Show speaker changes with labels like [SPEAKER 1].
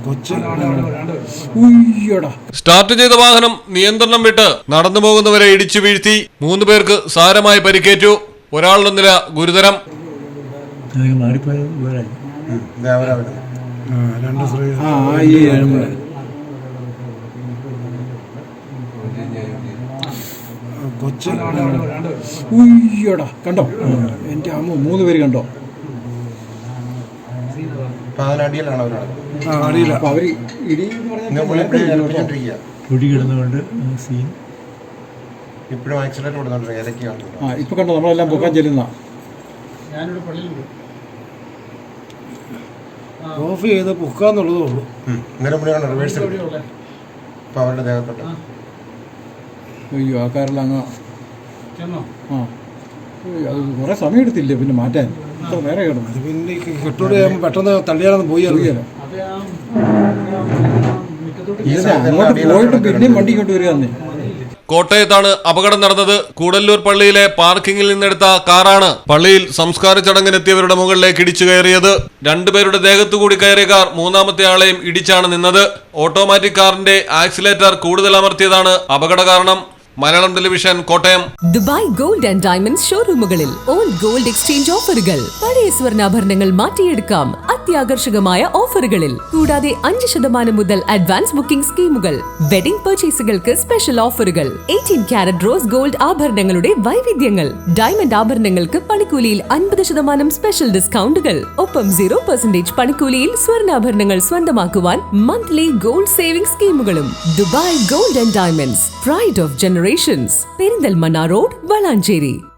[SPEAKER 1] Start ചെയ്ത വാഹനം നിയന്ത്രണം വിട്ട് നടന്നു പോകുന്നവരെ ഇടിച്ചു വീഴ്ത്തി. 3 പേർക്ക് സാരമായി പരിക്കേറ്റു. ഒരാളുടെ നില ഗുരുതരം.
[SPEAKER 2] കണ്ടോ എന്റെ അമ്മ 3 പേര് കണ്ടോ?
[SPEAKER 3] കിടന്നുകൊണ്ട് സീൻ
[SPEAKER 4] ഇപ്പോഴും ആക്സിഡന്റ് കൊടുത്തോണ്ടിരിക്കുക.
[SPEAKER 2] ഇപ്പൊ കണ്ടോ നമ്മളെല്ലാം പൊക്കാൻ ചെല്ലുന്ന
[SPEAKER 3] ഓഫ് ചെയ്ത് പൊക്കാന്നുള്ളതേ ഉള്ളൂ.
[SPEAKER 4] ഇന്നലെ മുന്നേ റിവേഴ്സ് ഇപ്പൊ അവരുടെ ദേഹത്തോട്ട്.
[SPEAKER 2] അയ്യോ ആ കാറിൽ അങ്ങ് അത് കുറെ സമയം എടുത്തില്ലേ പിന്നെ മാറ്റാൻ. വേറെ കിടന്നു
[SPEAKER 3] പിന്നെ കെട്ടോട് പെട്ടെന്ന് തള്ളിയാലൊന്നും പോയി അറിയില്ല.
[SPEAKER 2] അങ്ങോട്ട് പോയിട്ട് പിന്നെയും വണ്ടി ഇങ്ങോട്ട് വരിക.
[SPEAKER 1] കോട്ടയത്താണ് അപകടം നടന്നത്. കൂടല്ലൂർ പള്ളിയിലെ പാർക്കിങ്ങിൽ നിന്നെടുത്ത കാറാണ് പള്ളിയിൽ സംസ്കാര ചടങ്ങിനെത്തിയവരുടെ മുകളിലേക്ക് ഇടിച്ചു കയറിയത്. 2 പേരുടെ ദേഹത്തുകൂടി കയറിയ കാർ 3ാമത്തെ ആളെയും ഇടിച്ചാണ് നിന്നത്. ഓട്ടോമാറ്റിക് കാറിന്റെ ആക്സിലേറ്റർ കൂടുതൽ അമർത്തിയതാണ് അപകട കാരണം. Malayalam television, Kottayam.
[SPEAKER 5] Dubai gold and diamonds ഷോറൂമുകളിൽ ഓൾഡ് ഗോൾഡ് എക്സ്ചേഞ്ച് ഓഫറുകൾ. പഴയ സ്വർണ്ണാഭരണങ്ങൾ മാറ്റിയെടുക്കാം അത്യാകർഷകമായ ഓഫറുകളിൽ. കൂടാതെ 5% മുതൽ അഡ്വാൻസ് ബുക്കിംഗ് സ്കീമുകൾ. വെഡിംഗ് പർച്ചേസുകൾക്ക് സ്പെഷ്യൽ ഓഫറുകൾ. 18 കാരറ്റ് റോസ് ഗോൾഡ് ആഭരണങ്ങളുടെ വൈവിധ്യങ്ങൾ. ഡയമണ്ട് ആഭരണങ്ങൾക്ക് പണിക്കൂലിയിൽ 50% സ്പെഷ്യൽ ഡിസ്കൗണ്ടുകൾ. ഒപ്പം 0% പണിക്കൂലിയിൽ സ്വർണ്ണാഭരണങ്ങൾ സ്വന്തമാക്കുവാൻ മന്ത്ലി ഗോൾഡ് സേവിംഗ് സ്കീമുകളും. Dubai gold and diamonds, pride of generations. Perinthalmanna road, Valanchery.